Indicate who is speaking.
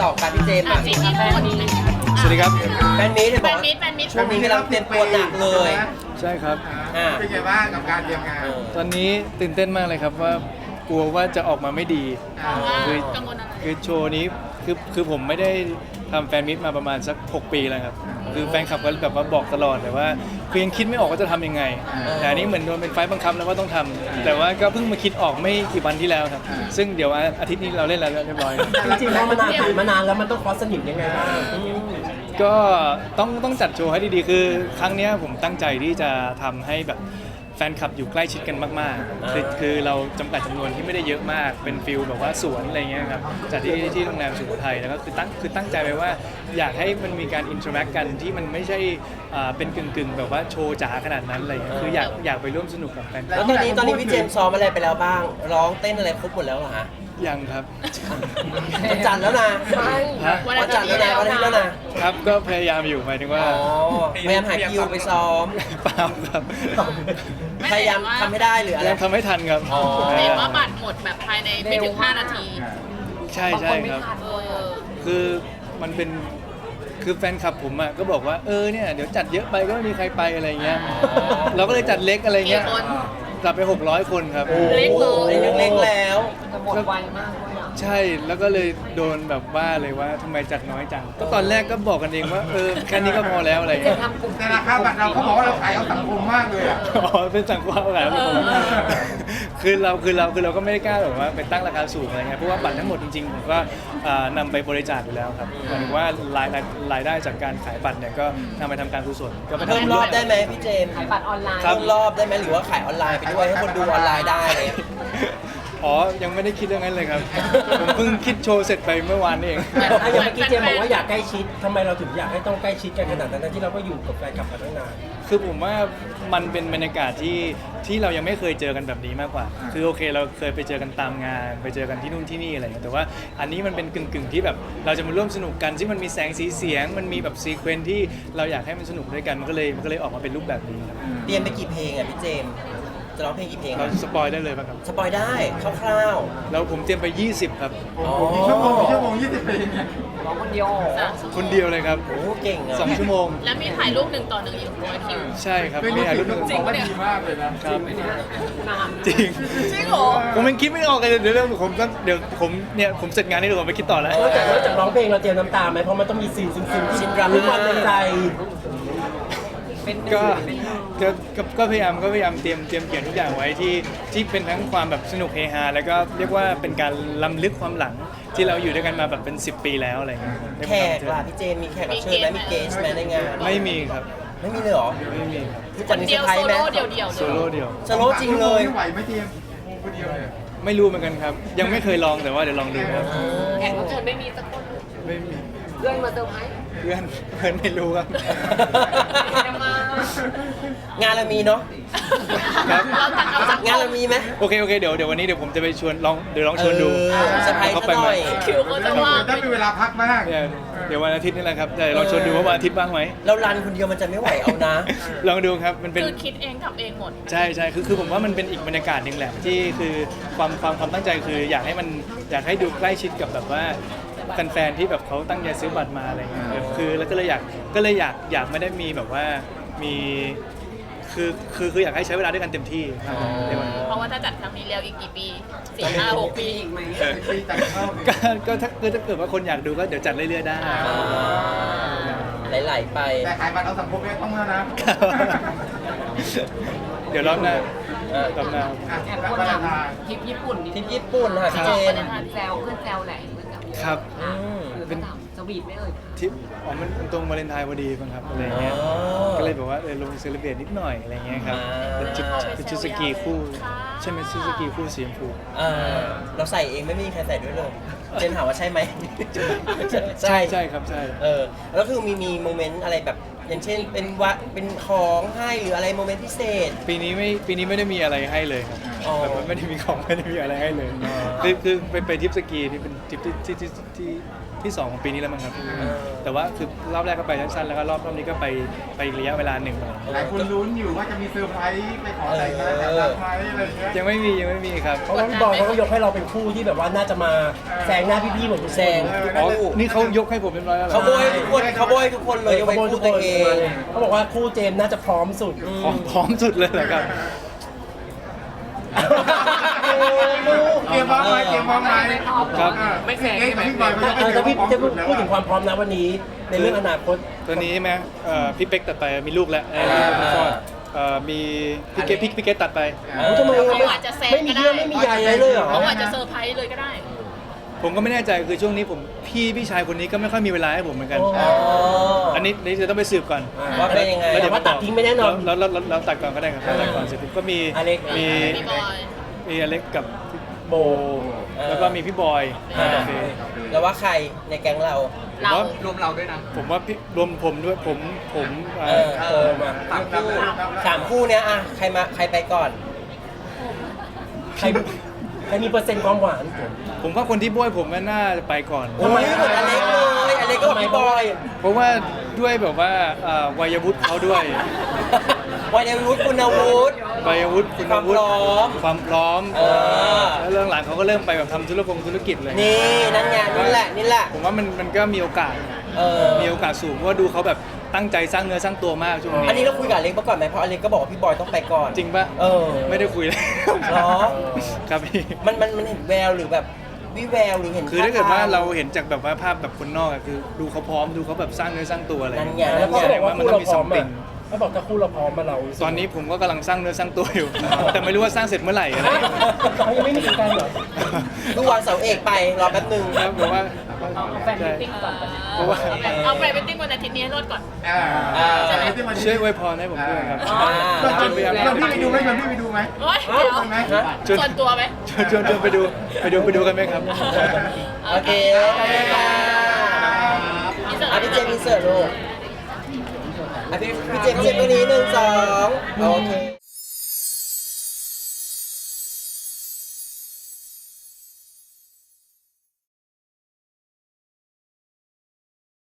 Speaker 1: ต่อกันพี่เจมส์อ่ะ
Speaker 2: สิ่งที่พูด
Speaker 3: สวัสดีครับ
Speaker 1: แฟนมีตเห็น
Speaker 2: แฟ
Speaker 1: บอก
Speaker 2: น
Speaker 1: ว่า
Speaker 2: มิตรแฟนมิตร
Speaker 1: ช่วงนี้กำลังเตรียมตัวหนักเลย
Speaker 3: ใช่ครับ
Speaker 1: อ่า
Speaker 4: เป็นไงบ้างกับการเตรียมงาน
Speaker 3: ตอนนี้ตื่นเต้นมากเลยครับว่ากลัวว่าจะออกมาไม่ดี คือ
Speaker 2: กังวลอะไร
Speaker 3: คือโชว์นี้คือผมไม่ได้ทำแฟนมิตมาประมาณสัก 6 ปีแล้วครับ คือแฟนคลับก็แบบว่าบอกตลอดเลยว่าคือยังคิดไม่ออกว่าจะทำยังไง แต่อันนี้เหมือนโดนเป็นไฟล์บังคับแล้วว่าต้องทำแต่ว่าก็เพิ่งมาคิดออกไม่กี่วันที่แล้วครับ ซึ่งเดี๋ยวอาทิตย์นี้เราเล่นแล้วเรียบร้อย
Speaker 1: จริงๆแล้วมันนานผ่านมานานแล้วมันต้องคอสสนิมยังไงบ้าง
Speaker 3: ก็ต้องจัดโชว์ให้ดีๆ คือครั้งเนี้ยผมตั้งใจที่จะทำให้แบบแฟนคลับอยู่ใกล้ชิดกันมากๆคือเราจำกัดจำนวนที่ไม่ได้เยอะมากเป็นฟิลแบบว่าสวนอะไรเงี้ยครับจัดที่โรงแรมสุโขทัยแล้วก็คือตั้งใจไว้ว่าอยากให้มันมีการอินเทอร์แอคกันที่มันไม่ใช่เป็นกึ่งแบบว่าโชว์จ๋าขนาดนั้นอะไรเงี้ยคืออยากไปร่วมสนุกกับแฟนค
Speaker 1: แล้
Speaker 3: ลั
Speaker 1: ว
Speaker 3: บ
Speaker 1: ตอนนี้พี่เจมส์ซ้อมอะไรไปแล้วบ้าง ร้องเต้นอะไรครบหมดแล้วเหรอฮะ
Speaker 3: ยังครับ
Speaker 1: วันจันทร์แล้วนะ
Speaker 3: ฮะ
Speaker 1: วันจันทร์แล้วนะวันอาทิตย์แล้วนะครับ
Speaker 3: ก็พยายามอยู่หมายถึงว่า
Speaker 1: อ๋อพยายามหาคิวไปซ้อม
Speaker 3: เปล่าครับ
Speaker 1: พยายามทำให้ได้หรืออะไร
Speaker 3: ยังทำไม่ทันครับ
Speaker 1: อ๋อ
Speaker 2: เห็นว่าบัตรหมดแบบภายในไม่ถึง 5 นาที
Speaker 3: ใช่ครับ คือมันเป็นคือแฟนคลับผมอ่ะก็บอกว่าเนี่ยเดี๋ยวจัดเยอะไปก็ไม่มีใครไปอะไรเงี้ยเราก็เลยจัดเล็กอะไรเงี้ย
Speaker 2: กี่คน
Speaker 3: จัดไป600 คนครับ
Speaker 2: เล็กเลย
Speaker 1: เล็กๆแล้ว
Speaker 3: ใช่แล้วก็เลยโดนแบบว่าเลยว่าทำไมจัดน้อยจังก็ตอนแรกก็บอกกันเองว่าแค่นี้ก็พอแล้วอะไรเงี้ย
Speaker 4: แต่ราคาบัตรเราเขาบอกว่าเราขายเอาสังคมมากเลยอ่ะ
Speaker 3: อ๋อเป็นสังกัดอะไรไม่ผมคือเราก็ไม่ได้กล้าแบบว่าไปตั้งราคาสูงอะไรเงี้ยเพราะว่าบัตรทั้งหมดจริงๆผมก็นำไปบริจาคอยู่แล้วครับหมายถึงว่ารายได้จากการขายบัตรเนี่ยก็นำไปทำการกุศลก็ไป
Speaker 1: เพิ่ม
Speaker 3: ทำ
Speaker 1: รอบได้ไหมพี่เจมส์
Speaker 5: ขายบัตรออนไลน์
Speaker 1: เพิ่มรอบได้ไหมหรือว่าขายออนไลน์ไปด้วยให้คนดูออนไลน์ได้อะไรเงี้ย
Speaker 3: อ๋อ ยังไม่ได้คิดเรื่องนั้นเลยครับ ผมเพิ่งคิดโชว์เสร็จไปเมื่อวานนี่เอง
Speaker 6: อย่างเมื่อกี้เจมบอกว่าอยากใกล้ชิดทำไมเราถึงอยากให้ต้องใกล้ชิดกันขนาดนั้นทั้งที่เราก็อยู่กับแฟนคลับมาตั้งนาน
Speaker 3: คือผมว่ามันเป็นบรรยากาศที่เรายังไม่เคยเจอกันแบบนี้มากกว่า คือโอเคเราเคยไปเจอกันตามงาน ไปเจอกันที่นู่นที่นี่อะไรอย่างเงี้ย แต่ว่าอันนี้มันเป็นกึ่งที่แบบเราจะมาร่วมสนุกกันที่มันมีแสงสีเสียง มันมีแบบซีเควนซ์ที่เราอยากให้มันสนุกด้วยกัน มันก็เลยออกมาเป็นรูปแบบนี้ครับ
Speaker 1: เตรียมไปกี่เพลงอ่ะพี่เจมส์จะร้องเพลงกี่เพลง
Speaker 3: เราสปอยได้เลยป่ะครับ
Speaker 1: สปอยได้คร่าว
Speaker 3: แล้วผมเตรียมไป 20 ครับ
Speaker 1: ๆอ๋อ
Speaker 4: กี่ชั่วโมง20 ปีเนี่ย
Speaker 5: ร้องคนเดียว
Speaker 3: คนเดียวเลยครับ
Speaker 1: โอ้เก่งอ่ะ
Speaker 3: 2 ชั่วโมง
Speaker 2: แล้วมีถ่ายรูป1 ต่อ 1อีก100 คิว
Speaker 3: ใช่ครับ
Speaker 4: เป็น
Speaker 3: นี่
Speaker 4: นี่
Speaker 3: ถ่ายรู
Speaker 4: รุ่
Speaker 3: ป
Speaker 4: น
Speaker 3: หนึ่ง
Speaker 4: บอกว่าดีมากเลยนะครับ
Speaker 5: นาน
Speaker 3: จริง
Speaker 2: จริงเหรอ
Speaker 3: ผมยังคิดไม่ออกเลยเดี๋ยวผมเสร็จงานนี้เดี๋ยวผมไปคิดต่อแล้ว
Speaker 6: นอกจากร้องเพลงเราเตรียมน้ำตาไหมเพราะมันต้องมีซีนซึ้งๆที่มีความในใจ
Speaker 3: ก็พยายามเตรียมเขียนทุกอย่างไว้ที่เป็นทั้งความแบบสนุกเฮฮาแล้วก็เรียกว่าเป็นการล้ำลึกความหลังที่เราอยู่ด้วยกันมาแบบเป็น 10 ปีแล้วอะไรเงี้ยได้
Speaker 1: แข
Speaker 3: มาก
Speaker 1: ล่ะพี่เจมส์มีแขกรับเชิญไหมมีเกสไหมในงาน
Speaker 3: ไม่มีครับ
Speaker 1: ไม่มีเลยเหรอ
Speaker 3: ไม่มีครับ
Speaker 1: พี่
Speaker 2: ค
Speaker 1: จัด
Speaker 2: น
Speaker 1: มี
Speaker 2: เดี
Speaker 1: เซอ
Speaker 2: ยว
Speaker 1: ร์ไพร
Speaker 2: โซ
Speaker 1: ส์ไหม
Speaker 2: โล่เดียว
Speaker 3: โซโล่เดียว
Speaker 1: สโลว์จริงเลย
Speaker 4: ไม่ไหวไหมเจมส์คนเดียวเลย
Speaker 3: ไม่รู้เหมือนกันครับ ยังไม่เคยลองแต่ว่าเดี๋ยวลองดูครับ
Speaker 5: แขกรับเชิญไม่มีสักคน
Speaker 3: ไม่มี
Speaker 5: เพื่อนมาเซอร์ไพรส์
Speaker 3: เพื่อนไม่รู้ครับ
Speaker 5: จะมาง
Speaker 1: านเรามีเนาะ
Speaker 3: ครับ
Speaker 2: เราตัดเอาจาก
Speaker 1: งานเรามีไหม
Speaker 3: โอเคเดี๋ยววันนี้เดี๋ยวผมจะไปชวนลองชวนดู
Speaker 1: เซอร์ไพรส์
Speaker 3: เขา
Speaker 1: ซะ
Speaker 3: ไป
Speaker 1: ห
Speaker 3: ไหม
Speaker 1: น่อย
Speaker 2: คิวเขาจะว่าง
Speaker 4: ถ้ามีเวลาพักมาก
Speaker 3: เนี่ยเดี๋ยววันอาทิตย์นี่แหละครับแต่ลองชวนดูว่าวันอาทิตย์บ้างไหม
Speaker 1: เรารันคนเดียวมันจะไม่ไหวเอานะ
Speaker 3: ลองดูครับมันเป็น
Speaker 2: คือคิดเองทำเองหมด
Speaker 3: ใช่คือผมว่ามันเป็นอีกบรรยากาศหนึ่งแหละที่คือความตั้งใจคืออยากให้ดูใกล้ชิดกับแบบว่าแฟนๆที่แบบเขาตั้งใจซื้อบัตรมาอะไรเงี้ยคือแล้วก็เลยอยากไม่ได้มีแบบว่ามีคืออยากให้ใช้เวลาด้วยกันเต็มที่ในวันนี้
Speaker 2: เพราะว่าถ้าจัดครั้งนี้แล้วอีกกี่ปี 4 5 6 ปี
Speaker 5: อีกไหม
Speaker 4: ปีจัดเข้า
Speaker 3: ก็ถ้าเกิดว่าคนอยากดูก็เดี๋ยวจัดเรื่อยๆได้
Speaker 1: ไหลๆไป
Speaker 4: แต่ขายบัตรเอาสังคมเนี่ยต้องแล้วนะ
Speaker 3: เดี๋ยวรอบหน้า
Speaker 5: แอบพูดถึงทริปญี่ปุ่นนิด
Speaker 1: ทีมญี่ปุ่นค่ะพี่เจมส์
Speaker 5: แซวเพื่อนแซวแหละเพื่อนแซว
Speaker 3: ครับ
Speaker 5: เป็นสวีทไหมเอ่ย
Speaker 3: ทิปมันตรงวาเลนไทน์พอดีมั้งครับอะไรเงี้ย
Speaker 1: อ๋อ
Speaker 3: ก็เลยแบบว่าลงเซเลบเรตนิดหน่อยอะไรเงี้ยครับ เป็นชุดสกีคู่ใช่ไหมชุดสกีคู่สีชมพู
Speaker 1: เราใส่เองไม่มีใครใส่ด้วยเลย เจนถามว่าใช่ไหม
Speaker 3: ใช่ครับใช่
Speaker 1: แล้วคือมีโมเมนต์อะไรแบบอย่างเช่นเป็นของให้หรืออะไรโมเมนต์พิเศษ
Speaker 3: ปีนี้ไม่ได้มีอะไรให้เลยครับ
Speaker 1: อ๋อ
Speaker 3: แบบว่าไม่ได้มีของไม่ได้มีอะไรให้เลย
Speaker 1: อ๋อ
Speaker 3: คือไปทริปสกีนี่เป็นทริปที่ที่2ของปีนี้แล้วมั้งครับแต่ว่าคือรอบแรกก็ไปสั้นๆแล้วก็รอบนี้ก็ไปอีกระยะเวลาหนึ่ง
Speaker 4: หลายคนลุ้นอยู่ว่าจะมีเซอร์ไพรส์ไปขอแต่งงานกับรักไหมอะไรอย่างเงี้ย
Speaker 3: ยังไม่มีครับ
Speaker 6: เพราะว่าพี่บอยเขาก็ยกให้เราเป็นคู่ที่แบบว่าน่าจะมาแซงหน้าพี่ๆหมดทุกคน
Speaker 1: แซง
Speaker 3: อ๋อนี่เขายกให้ผมเรียบร้อยแล้วเหรอ
Speaker 1: เขาโบยทุกคนเขาโบยทุกคนเลยยกเว้นคู่ตัวเอง
Speaker 6: เขาบอกว่าคู่เจมส์น่าจะพร้อมสุด
Speaker 3: พร้อมสุดเลยเหรอครับ
Speaker 4: เตรียมพร้อมไหมเตรียมพร้อมไหม
Speaker 3: ครับ
Speaker 4: ไม่แข่งกับพี่บอย
Speaker 6: ถ้าพี่จะพูดถึงความพร้อมนะวันนี้ในเรื่องอนาคต
Speaker 3: ตัวนี้ใช่ไหมพี่เป๊กตัดไปมีลูกแล้วพี่ฟอดมีพี่เกตตัดไป
Speaker 6: ทำไม
Speaker 2: เขาอาจจะแซง
Speaker 6: ไม่มี
Speaker 2: ก็ได้
Speaker 6: เรื่องไม่มีใยอะไรเลยเหรอ
Speaker 2: เขาอาจจะเซอร์ไพรส์เลยก็ได้
Speaker 3: ผมก็ไม่แน่ใจคือช่วงนี้ผมพี่ชายคนนี้ก็ไม่ค่อยมีเวลาให้ผมเหมือนกัน
Speaker 6: อ๋อ
Speaker 3: อันนี้จะต้องไปสืบก่อน
Speaker 1: ว่าเป็นยังไง
Speaker 6: แต่ว่าตัดทิ้งไม่แน่นอน
Speaker 3: แล้วตัดก่อนก็ได้ครับตัดก่อนเสร็จปุ๊บก็มี
Speaker 6: อเล็ก
Speaker 3: มี
Speaker 2: พี่บอย
Speaker 3: มีอเล็กกับพี่โบ แล้วก็มีพี่บอย โอเค
Speaker 1: แล้วว่าใครในแก๊งเรา
Speaker 2: เรา
Speaker 3: ผมว่าพี่รวมผมด้วยผม
Speaker 6: มา
Speaker 1: 3 คู่เนี้ยอะใครไปก่อน
Speaker 6: ใครมีเปอร์เซ็นต์ความหวาน
Speaker 3: ผมว่าคนที่บ้วยผมน่าจะไปก่อน
Speaker 1: โอ้ยเหมือนอเล็กเลยอเล็กก็พี่บอย
Speaker 3: เพราะว่าด้วยแบบว่าวัยวุฒิเขาด้วย
Speaker 1: วัยวุฒิคุณวุฒิ
Speaker 3: วัยวุฒิคุณวุฒิ
Speaker 1: ความพร้อม
Speaker 3: ความพร้อม
Speaker 1: เออ
Speaker 3: แล้วเรื่องหลังเขาก็เริ่มไปแบบทำธุรกิจเลย
Speaker 1: นี่นั่นไงนี่แหละ
Speaker 3: ผมว่ามันก็มีโอกาส มีโอกาสสูงเพราะว่าดูเขาแบบตั้งใจสร้างเนื้อสร้างตัวมากช่วงนี้
Speaker 1: อันนี้เราคุยกับอเล็กมาก่อนไหมเพราะอเล็กก็บอกว่าพี่บอยต้องไปก่อน
Speaker 3: จริงปะ ไม่ได้คุยเลย
Speaker 1: เหรอ
Speaker 3: ครับพี่
Speaker 1: มันเห็นแววหรือแบบวิแววหรือเห็น
Speaker 3: คือถ้าเกิดว่า
Speaker 1: ท่ทง
Speaker 3: เราเห็นจากแบบว่าภาพแบบคนนอกอะคือดูเขาพร้อมดูเขาแบบสร้างเนื้อสร้างตัวอะไร
Speaker 1: นั่นไง
Speaker 6: แล้วก็
Speaker 3: แส
Speaker 6: บ
Speaker 3: ด
Speaker 6: อก
Speaker 3: ง
Speaker 6: ว่า
Speaker 3: ว่ามัน
Speaker 6: คู่
Speaker 3: ต้องมี
Speaker 6: เราพร้
Speaker 3: ซั
Speaker 6: อ
Speaker 3: ม
Speaker 6: ม
Speaker 3: ติง
Speaker 6: เขาบอกถ้าคู่เราพร้อมมาเรา
Speaker 3: ตอนนี้ผมก็กำลังสร้างเนื้อสร้างตัวอยู่ แต่ไม่รู้ว่าสร้างเสร็จเมื่อไหร่อะไร
Speaker 6: เขายังไม่มีการเหรอ
Speaker 1: ดูวางเสาเอกไปรอแป๊บนึง
Speaker 3: ครับผมว่า
Speaker 5: แฟนมิตติ้งก่อน
Speaker 3: เพราะว่า
Speaker 2: เอาไปเป็นติ้งวันอาทิตย์นี้ให้รอดก่อน
Speaker 3: ช่วยอวยพรให้ผมด้วยครับ
Speaker 4: ชวนพี่ไปดูไหมชวนพี่ไปดูไหม
Speaker 2: โอ๊ยเดี๋ยว
Speaker 4: ไหม
Speaker 2: ส่วนตัวไหม
Speaker 3: ชวนไปดูกันไหมครับ
Speaker 1: โอเคขอบคุณค่ะอ่ะพี่เจมส์อินเสิร์ตลูกอ่ะพี่เจมส์ตัวนี้1 2โอเค